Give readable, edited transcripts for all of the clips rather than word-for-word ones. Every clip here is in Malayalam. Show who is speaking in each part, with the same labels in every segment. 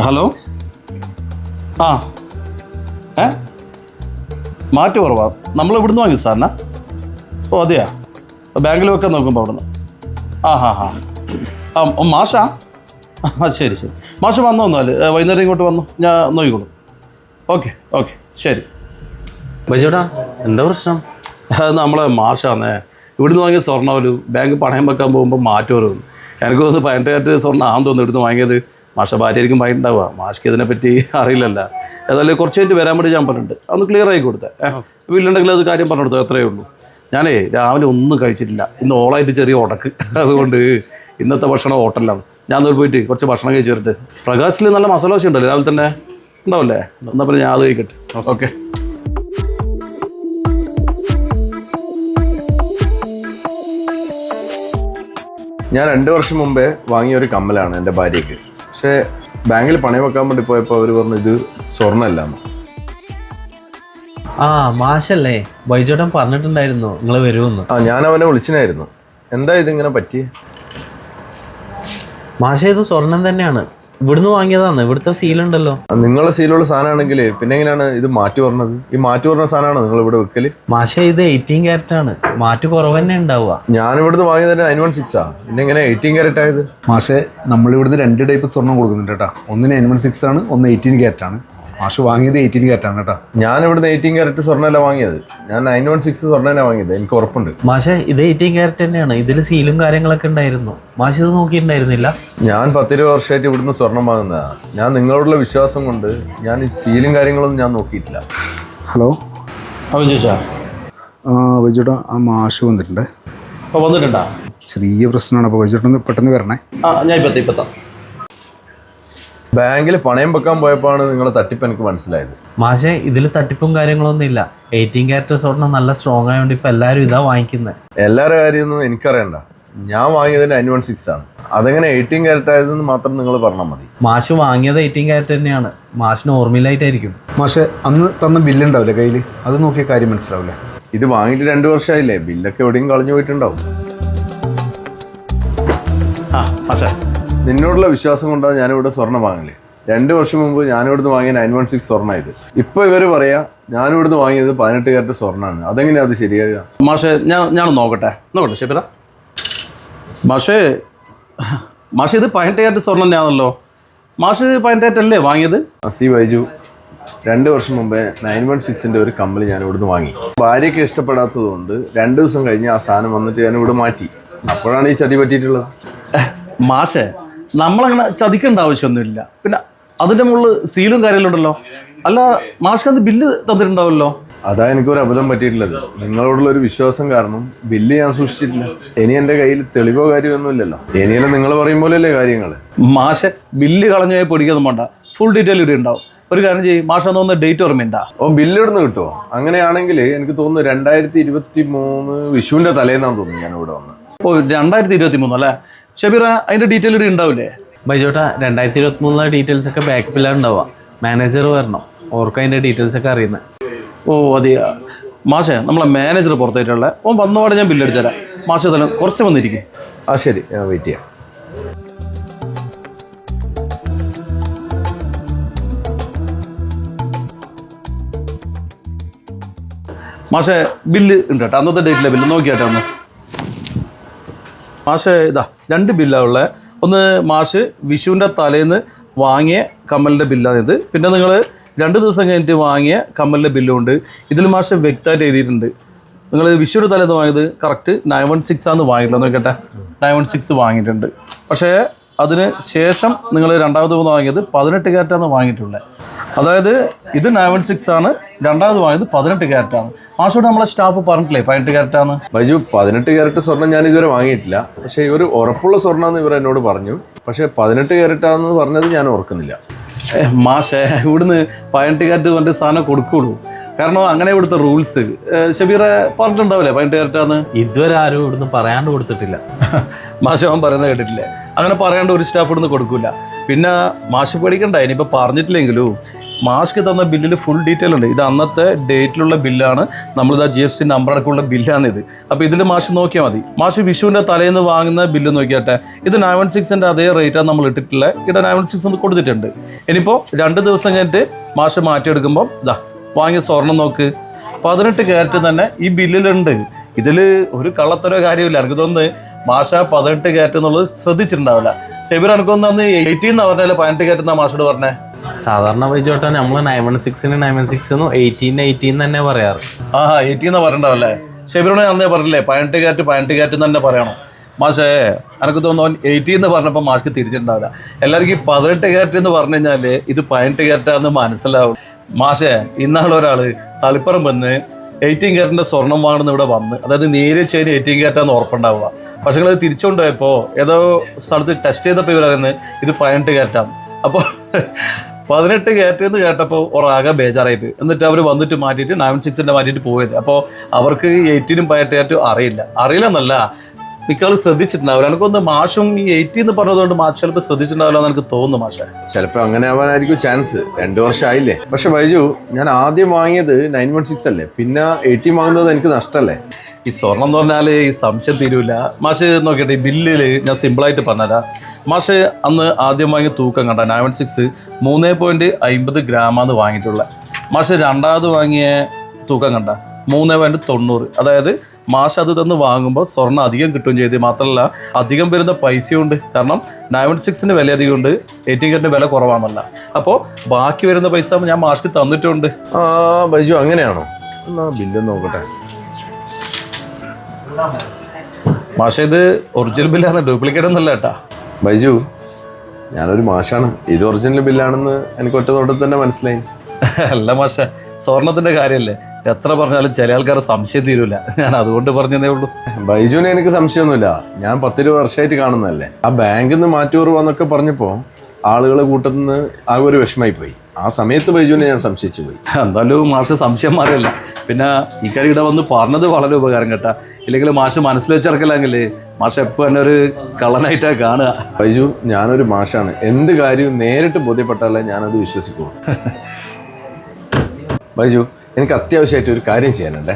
Speaker 1: ഹലോ ആ മാറ്റ് കുറവാ. നമ്മൾ ഇവിടുന്ന് വാങ്ങി സാറിനാ? ഓ അതെയാ, ബാങ്കിൽ വെക്കാൻ നോക്കുമ്പോൾ അവിടുന്ന്. മാഷാ? ശരി ശരി, മാഷ് വന്നു വന്നാൽ വൈകുന്നേരം ഇങ്ങോട്ട് വന്നു, ഞാൻ നോക്കിക്കോളൂ. ഓക്കെ ഓക്കെ ശരി.
Speaker 2: ബൈജോടാ എന്താ പ്രശ്നം?
Speaker 1: അത് നമ്മളെ മാഷാന്നേ, ഇവിടുന്ന് വാങ്ങിയ സ്വർണ്ണം ഒരു ബാങ്ക് പണയം വെക്കാൻ പോകുമ്പോൾ മാറ്റ് കുറവ്. എനിക്ക് തോന്നുന്നു 18 സ്വർണ്ണം ആണെന്ന് തോന്നുന്നു ഇവിടുന്ന് വാങ്ങിയത്. മാഷ ഭാര്യയായിരിക്കും വാങ്ങിയിട്ടുണ്ടാവുക, മാഷ്ക്ക് ഇതിനെപ്പറ്റി അറിയില്ലല്ലോ. ഏതായാലും കുറച്ച് കഴിഞ്ഞിട്ട് വരാൻ വേണ്ടി ഞാൻ പറഞ്ഞിട്ടുണ്ട്, അതൊന്ന് ക്ലിയർ ആക്കി കൊടുത്തേ. വീട്ടിലുണ്ടെങ്കിൽ അത് കാര്യം പറഞ്ഞു കൊടുത്തോ, എത്രയേ ഉള്ളൂ. ഞാനേ രാവിലെ ഒന്നും കഴിച്ചിട്ടില്ല, ഇന്ന് ഓളായിട്ട് ചെറിയ ഉടക്ക്, അതുകൊണ്ട് ഇന്നത്തെ ഭക്ഷണം ഹോട്ടലിലാണ്. ഞാൻ അതിൽ പോയിട്ട് കുറച്ച് ഭക്ഷണം കഴിച്ച് വരട്ടെ. പ്രകാശിൽ നല്ല മസാല ദോശ ഉണ്ടല്ലോ രാവിലെ തന്നെ, ഉണ്ടാവില്ലേ? എന്നാൽ പിന്നെ ഞാൻ അത് കഴിക്കട്ടെ. ഓക്കെ.
Speaker 3: ഞാൻ 2 വർഷം മുമ്പേ വാങ്ങിയ ഒരു കമ്മലാണ് എൻ്റെ ഭാര്യയ്ക്ക്. പക്ഷേ ബാങ്കിൽ പണയം വെക്കാൻ വേണ്ടി പോയപ്പോൾ അവർ പറഞ്ഞു ഇത് സ്വർണ്ണമല്ലാന്ന്.
Speaker 2: മാഷല്ലേ, ബൈജോട്ടൻ പറഞ്ഞിട്ടുണ്ടായിരുന്നു നിങ്ങൾ വരുമെന്ന്.
Speaker 3: ഞാൻ അവനെ വിളിച്ചിനായിരുന്നു. എന്താ ഇതിങ്ങനെ പറ്റി?
Speaker 2: മാഷ ഇത് സ്വർണം തന്നെയാണ്, ഇവിടുന്ന് വാങ്ങിയതാണ്, ഇവിടുത്തെ സീലുണ്ടല്ലോ.
Speaker 3: നിങ്ങളുടെ സീലുള്ള സാധനമാണെങ്കിൽ പിന്നെ എങ്ങനെയാണ് ഇത് മാറ്റി പറഞ്ഞത്? ഈ മാറ്റി പറഞ്ഞ സാധനമാണോ നിങ്ങൾ ഇവിടെ വെക്കല്?
Speaker 2: മാഷ ഇത് 18 ക്യാരറ്റ് ആണ്, മാറ്റ് കുറവ് തന്നെ ഉണ്ടാവുക.
Speaker 3: ഞാൻ ഇവിടുന്ന് വാങ്ങിയത് 916 പിന്നെ എങ്ങനെ 18 ക്യാരറ്റ് ആയത്?
Speaker 4: മാഷെ, നമ്മളിവിടുന്ന് 2 ടൈപ്പ് സ്വർണ്ണം കൊടുക്കുന്നുണ്ട് കേട്ടോ. ഒന്ന് 916 ആണ്, ഒന്ന് 18 ക്യാരറ്റ് ആണ്. മാഷ് വാങ്ങിയത് 18 ക്യാരറ്റ് ആണ് കേട്ടോ.
Speaker 3: ഞാൻ ഇവിടുന്ന് 18 ക്യാരറ്റ് സ്വർണ്ണമല്ല വാങ്ങിയത്, ഞാൻ 916 സ്വർണ്ണമല്ല വാങ്ങിയത്, എനിക്ക് ഉറപ്പുണ്ട്.
Speaker 2: മാഷ ഇത് 18 ക്യാരറ്റ് തന്നെയാണ്, ഇതിൽ സീലും കാര്യങ്ങളൊക്കെ ഉണ്ടായിരുന്നു. മാഷ് ഇത് നോക്കിയിട്ടുണ്ടായിരുന്നില്ല?
Speaker 3: ഞാൻ 10-20 വർഷമായിട്ട് ഇവിടുന്ന് സ്വർണം വാങ്ങുന്നതാണ്. ഞാൻ നിങ്ങളോടുള്ള വിശ്വാസം കൊണ്ട് ഞാൻ ഈ സീലും കാര്യങ്ങളൊന്നും ഞാൻ നോക്കിയിട്ടില്ല.
Speaker 4: ഹലോ
Speaker 1: ചോദിച്ചാ
Speaker 4: വൈജോട്ടാ, ആ മാഷ് വന്നിട്ടുണ്ട്.
Speaker 1: അപ്പോൾ വന്നിട്ടുണ്ടാ?
Speaker 4: ചെറിയ പ്രശ്നമാണ്, അപ്പോൾ വൈജോട്ടൊന്ന് പെട്ടെന്ന് വരണേ.
Speaker 1: ഞാൻ ഇപ്പത്താം.
Speaker 3: ബാങ്കിൽ പണയം വെക്കാൻ പോയപ്പോഴാണ് നിങ്ങളെ തട്ടിപ്പ് എനിക്ക് മനസ്സിലായത്.
Speaker 2: മാഷെ ഇതിൽ തട്ടിപ്പും കാര്യങ്ങളൊന്നും ഇല്ല. 18 ക്യാരറ്റ് സ്വർണ്ണം നല്ല സ്ട്രോങ് ആയതുകൊണ്ട് ഇപ്പം എല്ലാവരും ഇതാ വാങ്ങിക്കുന്നത്.
Speaker 3: എല്ലാവരുടെ കാര്യമൊന്നും എനിക്കറിയണ്ട. ഞാൻ വാങ്ങിയത് 916 ആണ്. അതെങ്ങനെ 18 ക്യാരറ്റ് ആയതെന്ന് മാത്രം നിങ്ങൾ പറഞ്ഞാൽ മതി.
Speaker 2: മാഷ് വാങ്ങിയത് 18 ക്യാരറ്റ് തന്നെയാണ്, മാഷിന് ഓർമ്മയിലായിട്ടായിരിക്കും.
Speaker 4: മാഷെ, അന്ന് തന്ന ബില്ലുണ്ടാവില്ലേ കയ്യിൽ, അത് നോക്കിയ കാര്യം മനസ്സിലാവില്ലേ?
Speaker 3: ഇത് വാങ്ങിയിട്ട് 2 വർഷമായില്ലേ, ബില്ലൊക്കെ എവിടെയും കളഞ്ഞു പോയിട്ടുണ്ടാവും. നിന്നോടുള്ള വിശ്വാസം കൊണ്ടാണ് ഞാനിവിടെ സ്വർണ്ണം വാങ്ങില്ലേ. 2 വർഷം മുമ്പ് ഞാനിവിടുന്ന് വാങ്ങിയ 916 സ്വർണ്ണമായത്. ഇപ്പോൾ ഇവർ പറയാ ഞാനിവിടുന്ന് വാങ്ങിയത് 18 ക്യാരറ്റ് സ്വർണ്ണമാണ്. അതെങ്ങനെയാ അത് ശരിയാകുക?
Speaker 1: മാഷെ, ഞാൻ നോക്കട്ടെ ഷെബിറ. മാഷേ ഇത് 18 ക്യാരറ്റ് സ്വർണ്ണം തന്നെയാണല്ലോ. മാഷ് 18 ക്യാരറ്റ് അല്ലേ വാങ്ങിയത്?
Speaker 3: ബൈജു, 2 വർഷം മുമ്പേ 916ൻ്റെ ഒരു കമ്മൽ ഞാൻ ഇവിടുന്ന് വാങ്ങി. ഭാര്യയ്ക്ക് ഇഷ്ടപ്പെടാത്തത് കൊണ്ട് 2 ദിവസം കഴിഞ്ഞ് ആ സാധനം വന്നിട്ട് ഞാൻ ഇവിടെ മാറ്റി. അപ്പോഴാണ് ഈ ചതി പറ്റിയിട്ടുള്ളത്.
Speaker 1: മാഷെ, നമ്മളങ്ങനെ ചതിക്കേണ്ട ആവശ്യമൊന്നുമില്ല. പിന്നെ അതിൻ്റെ മുകളിൽ സീലും കാര്യമെല്ലാം ഉണ്ടല്ലോ. അല്ല, മാഷ്ക്ക് അത് ബില്ല് തന്നിട്ടുണ്ടാവുമല്ലോ.
Speaker 3: അതാ എനിക്കൊരു അബദ്ധം പറ്റിയിട്ടുള്ളത്. നിങ്ങളോടുള്ള ഒരു വിശ്വാസം കാരണം ബില്ല് ഞാൻ സൂക്ഷിച്ചിട്ടില്ല. ഇനി എൻ്റെ കയ്യിൽ തെളിവോ കാര്യമൊന്നുമില്ലല്ലോ. ഇനിയെല്ലാം നിങ്ങൾ പറയും പോലെയല്ലേ കാര്യങ്ങൾ.
Speaker 1: മാഷെ, ബില്ല് കളഞ്ഞു പോയി പൊടിക്കൊന്നും വേണ്ട, ഫുൾ ഡീറ്റെയിൽ ഇവിടെ ഉണ്ടാവും. ഒരു കാര്യം ചെയ്യും, മാഷം തോന്നുന്ന ഡേറ്റ് ഓർമ്മയുണ്ടാ?
Speaker 3: ബില്ല് ഇവിടുന്ന് കിട്ടുമോ? അങ്ങനെയാണെങ്കിൽ എനിക്ക് തോന്നുന്നു 2023 വിഷുവിൻ്റെ തലേന്നാന്ന് തോന്നുന്നു ഞാൻ ഇവിടെ വന്നത്.
Speaker 1: 2023 അല്ലേ ഷബീറ? അതിൻ്റെ ഡീറ്റെയിൽ ഇവിടെ ഉണ്ടാവില്ലേ?
Speaker 2: ബൈജോട്ടാ, 2023 ഡീറ്റെയിൽസ് ഒക്കെ ബാക്കപ്പിലാണ് ഉണ്ടാവുക. മാനേജർ വരണം, ഓർക്ക് അതിൻ്റെ ഡീറ്റെയിൽസ് ഒക്കെ അറിയുന്നത്.
Speaker 1: അതെയാ മാഷെ, നമ്മളെ മാനേജർ പുറത്തായിട്ടുള്ള വന്നപാടെ ഞാൻ ബില്ലെടുത്ത് തരാം. മാഷെ തന്നെ കുറച്ച് വന്നിരിക്കും.
Speaker 3: ശരി, ഞാൻ വെയിറ്റ് ചെയ്യാം.
Speaker 1: മാഷെ, ബില്ല് ഉണ്ട് കേട്ടോ, അന്നത്തെ ഡേറ്റിലെ ബില്ല് നോക്കിയാട്ടെ ഒന്ന്. മാഷെ, ഇതാ 2 ബില്ലാണ് ഉള്ളത്. ഒന്ന് മാഷ് വിഷുവിൻ്റെ തലേന്ന് വാങ്ങിയ കമ്മലിൻ്റെ ബില്ലാണിത്. പിന്നെ നിങ്ങൾ 2 ദിവസം കഴിഞ്ഞിട്ട് വാങ്ങിയ കമ്മലിൻ്റെ ബില്ലും ഉണ്ട്. ഇതിൽ മാഷ് വ്യക്തമായിട്ട് എഴുതിയിട്ടുണ്ട്. നിങ്ങൾ വിഷുവിൻ്റെ തലേന്ന് വാങ്ങിയത് കറക്റ്റ് 916 ആണെന്ന് വാങ്ങിയിട്ടില്ല. നോക്കട്ടെ, 916 വാങ്ങിയിട്ടുണ്ട്. പക്ഷേ അതിന് ശേഷം നിങ്ങൾ രണ്ടാമത് വാങ്ങിയത് 18 ക്യാരറ്റാണ് വാങ്ങിയിട്ടുള്ളത്. അതായത് ഇത് 916 ആണ്, രണ്ടാമത് വാങ്ങിയത് 18 ക്യാരറ്റാണ്. മാഷോട് നമ്മളെ സ്റ്റാഫ് പറഞ്ഞിട്ടില്ലേ 18 ക്യാരറ്റാണ്?
Speaker 3: ബൈജു, 18 ക്യാരറ്റ് സ്വർണ്ണം ഞാൻ ഇതുവരെ വാങ്ങിയിട്ടില്ല. പക്ഷേ ഇവർ ഉറപ്പുള്ള സ്വർണ്ണമെന്ന് ഇവർ എന്നോട് പറഞ്ഞു. പക്ഷേ 18 ക്യാരറ്റാണെന്ന് പറഞ്ഞത് ഞാൻ ഓർക്കുന്നില്ല.
Speaker 1: മാഷേ, ഇവിടുന്ന് 18 ക്യാരറ്റ് പറഞ്ഞ സാധനം കൊടുക്കുള്ളൂ. കാരണം അങ്ങനെ ഇവിടുത്തെ റൂൾസ്. ഷബീറെ പറഞ്ഞിട്ടുണ്ടാവില്ലേ 18 ക്യാരറ്റാന്ന്?
Speaker 2: ഇതുവരെ ആരും ഇവിടുന്ന് പറയാണ്ട് കൊടുത്തിട്ടില്ല.
Speaker 1: മാഷ് അവൻ പറയുന്നത് കേട്ടിട്ടില്ലേ? അങ്ങനെ പറയാണ്ട് ഒരു സ്റ്റാഫ് ഇവിടുന്ന് കൊടുക്കില്ല. പിന്നെ മാഷ് പേടിക്കണ്ട, ഇനിയിപ്പോൾ പറഞ്ഞിട്ടില്ലെങ്കിലും മാഷ്ക്ക് തന്ന ബില്ലിൽ ഫുൾ ഡീറ്റെയിൽ ഉണ്ട്. ഇത് അന്നത്തെ ഡേറ്റിലുള്ള ബില്ലാണ്. നമ്മളിതാ GST നമ്പർ അടക്കമുള്ള ബില്ലാണിത്. അപ്പോൾ ഇതിൽ മാഷ് നോക്കിയാൽ മതി. മാഷ് വിഷുവിൻ്റെ തലേന്ന് വാങ്ങുന്ന ബില്ല് നോക്കിയാട്ടെ. ഇത് 916ൻ്റെ അതേ റേറ്റാണ് നമ്മൾ ഇട്ടിട്ടുള്ളത്. ഇവിടെ 916 കൊടുത്തിട്ടുണ്ട്. ഇനിയിപ്പോൾ 2 ദിവസം കഴിഞ്ഞിട്ട് മാഷ് മാറ്റിയെടുക്കുമ്പോൾ ഇതാ വാങ്ങിയ സ്വർണം നോക്ക്, 18 ക്യാരറ്റ് തന്നെ ഈ ബില്ലിലുണ്ട്. ഇതിൽ ഒരു കള്ളത്തരോ കാര്യമില്ല. എനിക്ക് തോന്നുന്നു മാഷ 18 ക്യാരറ്റ് എന്നുള്ളത് ശ്രദ്ധിച്ചിട്ടുണ്ടാവില്ല. ഷെബീർ എനിക്കൊന്ന് അന്ന് 18 എന്ന് പറഞ്ഞാൽ 18 ക്യാരറ്റ് എന്നാ മാഷോട് പറഞ്ഞേ.
Speaker 2: സാധാരണ ബൈജോട്ടാ നമ്മൾ 916 916 18 തന്നെ പറയാറ്.
Speaker 1: 18 എന്നാ പറയണ്ടാവല്ലേ. ഷെബീറിനോട് അന്നേ പറഞ്ഞില്ലേ 18 ക്യാരറ്റ് എന്ന് തന്നെ പറയണം. മാഷേ എനിക്ക് തോന്നുന്നു 18 എന്ന് പറഞ്ഞപ്പോൾ മാഷ്ക്ക് തിരിച്ചിട്ടുണ്ടാവില്ല. എല്ലാവർക്കും ഈ 18 ക്യാരറ്റ് എന്ന് പറഞ്ഞു കഴിഞ്ഞാൽ ഇത് 18 ക്യാരറ്റാന്ന് മനസ്സിലാവും. മാഷേ ഇന്നാളൊരാൾ തളിപ്പറം വന്ന് 18 ക്യാരറ്റിൻ്റെ സ്വർണം വാങ്ങുന്ന ഇവിടെ വന്ന്, അതായത് നേരിയ ചെയിൻ 18 ക്യാരറ്റാന്ന് ഉറപ്പുണ്ടാവുക. പക്ഷേ അത് തിരിച്ചുകൊണ്ടുപോയപ്പോൾ ഏതോ സ്ഥലത്ത് ടെസ്റ്റ് ചെയ്തപ്പോൾ ഇവർ പറയുന്നത് ഇത് 18 ക്യാരറ്റാണ്. അപ്പോൾ 18 ക്യാരറ്റ് എന്ന് കേട്ടപ്പോൾ ഒരാകെ ബേജാറായിപ്പോയി. എന്നിട്ട് അവർ വന്നിട്ട് മാറ്റിയിട്ട് 916ൻ്റെ മാറ്റിയിട്ട് പോയത്. അപ്പോൾ അവർക്ക് 18 18 ക്യാരറ്റ് അറിയില്ലെന്നല്ല, മിക്കവാറും ശ്രദ്ധിച്ചിട്ടുണ്ടാവില്ല. എനിക്കൊന്ന് മാഷും ഈ 80 എന്ന് പറഞ്ഞതുകൊണ്ട് മാഷ് ചിലപ്പോൾ ശ്രദ്ധിച്ചിട്ടുണ്ടാവില്ല എന്ന് എനിക്ക് തോന്നുന്നു. മാഷെ
Speaker 3: ചിലപ്പോൾ അങ്ങനെ ആവാനായിരിക്കും ചാൻസ്. 2 വർഷമായില്ലേ. പക്ഷെ ബൈജു, ഞാൻ ആദ്യം വാങ്ങിയത് 916 അല്ലേ, പിന്നെ 80 വാങ്ങുന്നത് എനിക്ക് നഷ്ടമല്ലേ?
Speaker 1: ഈ സ്വർണം എന്ന് പറഞ്ഞാൽ ഈ സംശയം തീരൂല. മാഷ് നോക്കിയിട്ട് ഈ ബില്ലിൽ ഞാൻ സിമ്പിളായിട്ട് പറഞ്ഞുതരാം. മാഷ് അന്ന് ആദ്യം വാങ്ങിയ തൂക്കം കണ്ട 916 3.50 ഗ്രാമാണ് വാങ്ങിയിട്ടുള്ളത്. മാഷ് രണ്ടാമത് വാങ്ങിയ തൂക്കം കണ്ട 3.90. അതായത് മാഷ് അത് തന്ന് വാങ്ങുമ്പോൾ സ്വർണ്ണം അധികം കിട്ടുകയും ചെയ്ത്, മാത്രമല്ല അധികം വരുന്ന പൈസയുണ്ട്. കാരണം 916ന് വില അധികമുണ്ട്, 18 ക്യാരറ്റിന് വില കുറവാണെന്നല്ല. അപ്പോൾ ബാക്കി വരുന്ന പൈസ ഞാൻ മാഷ്ക്ക് തന്നിട്ടുണ്ട്.
Speaker 3: ബൈജു അങ്ങനെയാണോ? എന്നാ ബില്ല് നോക്കട്ടെ.
Speaker 1: മാഷ ഇത് ഒറിജിനൽ ബില്ലാണ്, ഡ്യൂപ്ലിക്കേറ്റ് ഒന്നല്ല കേട്ടാ.
Speaker 3: ബൈജു, ഞാനൊരു മാഷാണ്. ഇത് ഒറിജിനൽ ബില്ലാണെന്ന് എനിക്ക് ഒറ്റ നോട്ടത്തിൽ തന്നെ മനസ്സിലായി.
Speaker 1: അല്ല മാഷ, സ്വർണത്തിന്റെ കാര്യമല്ലേ, എത്ര പറഞ്ഞാലും ചില ആൾക്കാർ സംശയം തീരൂല. ഞാൻ അതുകൊണ്ട് പറഞ്ഞതേ ഉള്ളൂ.
Speaker 3: ബൈജുവിന് എനിക്ക് സംശയമൊന്നുമില്ല. ഞാൻ 10-20 വർഷമായിട്ട് കാണുന്നതല്ലേ. ആ ബാങ്കിൽ നിന്ന് മാറ്റൂറുവാന്നൊക്കെ പറഞ്ഞപ്പോൾ ആളുകളെ കൂട്ടത്തിൽ നിന്ന് ആകെ ഒരു വിഷമായി പോയി. ആ സമയത്ത് ബൈജുവിനെ ഞാൻ സംശയിച്ചു പോയി.
Speaker 1: എന്തായാലും മാഷ് സംശയം മാറിയല്ല. പിന്നെ ഈ കാര്യം ഇവിടെ വന്ന് പറഞ്ഞത് വളരെ ഉപകാരം കേട്ടാ. ഇല്ലെങ്കിൽ മാഷ് മനസ്സിൽ വെച്ചിറക്കില്ലെങ്കിൽ മാഷ് എപ്പോൾ തന്നെ ഒരു കള്ളനായിട്ടാ കാണുക.
Speaker 3: ബൈജു, ഞാനൊരു മാഷാണ്. എന്ത് കാര്യവും നേരിട്ട് ബോധ്യപ്പെട്ടാലേ ഞാനത് വിശ്വസിക്കൂ. ബൈജു, എനിക്ക് അത്യാവശ്യമായിട്ട് ഒരു കാര്യം ചെയ്യാനുണ്ടേ.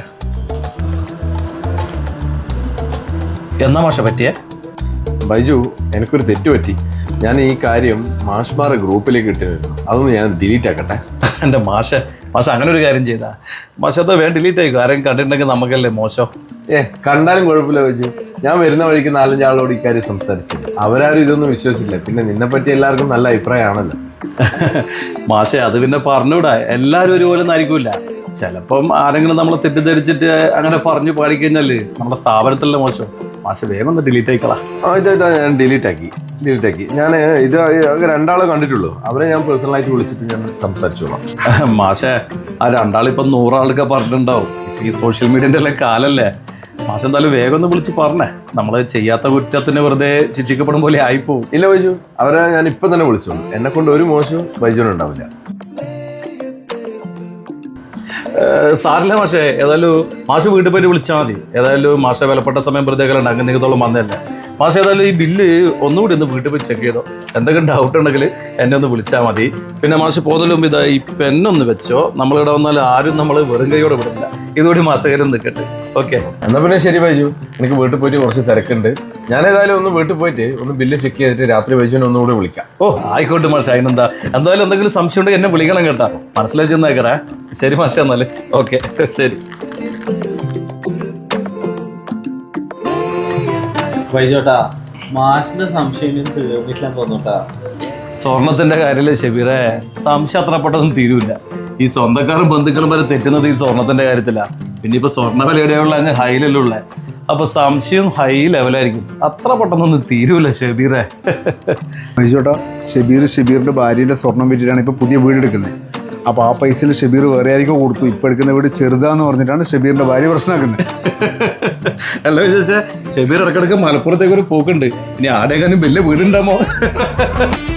Speaker 1: എന്നാ മാഷ പറ്റിയേ?
Speaker 3: ബൈജു, എനിക്കൊരു തെറ്റ് പറ്റി. ഞാൻ ഈ കാര്യം മാഷ്മാരെ ഗ്രൂപ്പിലേക്ക് ഇട്ടിരുന്നു. അതൊന്ന് ഞാൻ ഡിലീറ്റ് ആക്കട്ടെ.
Speaker 1: എൻ്റെ മാഷ അങ്ങനെ ഒരു കാര്യം ചെയ്താ മാഷ അത് വേണ്ട ഡിലീറ്റ് ആയിക്കോ. ആരെയും കണ്ടിട്ടുണ്ടെങ്കിൽ നമുക്കല്ലേ മോശം.
Speaker 3: കണ്ടാലും കുഴപ്പമില്ല ബൈജു. ഞാൻ വരുന്ന വഴിക്ക് 4-5 ആളോട് ഇക്കാര്യം സംസാരിച്ചു. അവരാരും ഇതൊന്നും വിശ്വസിച്ചില്ല. പിന്നെ നിന്നെപ്പറ്റി എല്ലാവർക്കും നല്ല അഭിപ്രായമാണല്ലോ.
Speaker 1: മാഷെ അത് പിന്നെ പറഞ്ഞുകൂടാ, എല്ലാവരും ഒരുപോലെ ഒന്നും ആയിരിക്കില്ല. ചിലപ്പം ആരെങ്കിലും നമ്മളെ തെറ്റിദ്ധരിച്ചിട്ട് അങ്ങനെ പറഞ്ഞു പാടിക്കഴിഞ്ഞാല് നമ്മുടെ സ്ഥാപനത്തിലെ മോശം. മാഷെ വേഗം ഒന്ന് ഡിലീറ്റ് ആയിക്കളാ.
Speaker 3: ഇതാ ഞാൻ ഡിലീറ്റ് ആക്കി. ഞാൻ ഇത് 2 ആളെ കണ്ടിട്ടുള്ളൂ. അവരെ ഞാൻ പേഴ്സണലായിട്ട് വിളിച്ചിട്ട് ഞാൻ സംസാരിച്ചോളാം.
Speaker 1: മാഷെ ആ 2 ആളിപ്പം 100 ആളൊക്കെ പറഞ്ഞിട്ടുണ്ടാവും. ഈ സോഷ്യൽ മീഡിയൻ്റെ എല്ലാം കാലല്ലേ. മാഷെ എന്തായാലും വേഗം ഒന്ന് വിളിച്ച് പറഞ്ഞേ. നമ്മൾ ചെയ്യാത്ത കുറ്റത്തിന് വെറുതെ ശിക്ഷിക്കപ്പെടും പോലെ ആയിപ്പോവും.
Speaker 3: ഇല്ല ബൈജു, അവരെ ഞാൻ ഇപ്പം തന്നെ വിളിച്ചോളൂ. എന്നെ കൊണ്ട് ഒരു മോശവും ബൈജുവിനുണ്ടാവില്ല.
Speaker 1: സാറില്ല മാഷെ, ഏതായാലും മാഷ് വീട്ടിൽ പോയിട്ട് വിളിച്ചാൽ മതി. ഏതായാലും മാഷ വിലപ്പെട്ട സമയം പ്രത്യേകം അങ്ങനെ നിങ്ങത്തോളം വന്നതല്ലേ. മാഷ ഏതായാലും ഈ ബില്ല് ഒന്നുകൂടി ഒന്ന് വീട്ടിൽ പോയി ചെക്ക് ചെയ്തോ. എന്തെങ്കിലും ഡൗട്ട് ഉണ്ടെങ്കിൽ എന്നെ ഒന്ന് വിളിച്ചാൽ മതി. പിന്നെ മാഷ് പോകുന്നതിന് മുമ്പ് ഇതാ ഈ പെന്നൊന്ന് വെച്ചോ. നമ്മളിവിടെ വന്നാൽ ആരും നമ്മൾ വെറും കൈയോടെ വിടില്ല. ഇതുകൂടി മാഷകരം നിൽക്കട്ടെ. ഓക്കെ,
Speaker 3: എന്നാൽ പിന്നെ ശരി ബൈജു. എനിക്ക് വീട്ടിൽ പോയിട്ട് കുറച്ച് തിരക്കുണ്ട്. ഞാൻ ഏതായാലും ഒന്ന് വീട്ടിൽ പോയിട്ട് ഒന്ന് ബില്ല് ചെക്ക് ചെയ്തിട്ട് രാത്രി ബൈജുവിനെ ഒന്നുകൂടി വിളിക്കാം.
Speaker 1: ആയിക്കോട്ടെ മാഷ, അതിനെന്താ. എന്തായാലും എന്തെങ്കിലും സംശയം ഉണ്ടെങ്കിൽ എന്നെ വിളിക്കണം കേട്ടാ. മനസ്സിലാക്കി ചെന്നേക്കറേ. ശരി മാഷ, എന്നാല് ഓക്കെ ശരി.
Speaker 2: ബൈജോട്ടാ, മാഷിന്റെ സംശയം തീർന്നിട്ടില്ല തോന്നൂട്ടാ.
Speaker 1: സ്വർണത്തിന്റെ കാര്യത്തില് ഷെബീറെ സംശയം അത്ര പെട്ടെന്ന് തീരൂല. ഈ സ്വന്തക്കാരും ബന്ധുക്കളും വരെ തെറ്റുന്നത് ഈ സ്വർണത്തിന്റെ കാര്യത്തിലാ. പിന്നെ ഇപ്പൊ സ്വർണ്ണ വിലയുടെയുള്ള അങ്ങ് ഹൈയിലുള്ള, അപ്പൊ സംശയം ഹൈ ലെവലായിരിക്കും. അത്ര പെട്ടെന്നൊന്നും തീരൂല ഷെബീറെ.
Speaker 4: ബൈജോട്ടാ, ഷെബീറിന്റെ ഭാര്യയുടെ സ്വർണം വിറ്റിട്ടാണ് ഇപ്പൊ പുതിയ വീട് എടുക്കുന്നത്. അപ്പോൾ ആ പൈസയിൽ ഷെബീർ വേറെ ആയിരിക്കും കൊടുത്തു. ഇപ്പം എടുക്കുന്ന വീട് ചെറുതാന്ന് പറഞ്ഞിട്ടാണ് ഷെബീറിന്റെ ഭാര്യ പ്രശ്നമാക്കുന്നത്.
Speaker 1: അല്ല വിശേഷ, ഷെബീർ ഇടക്കിടക്ക് മലപ്പുറത്തേക്ക് ഒരു പോക്കുണ്ട്. ഇനി ആടെക്കാനും വലിയ വീടുണ്ടാമോ?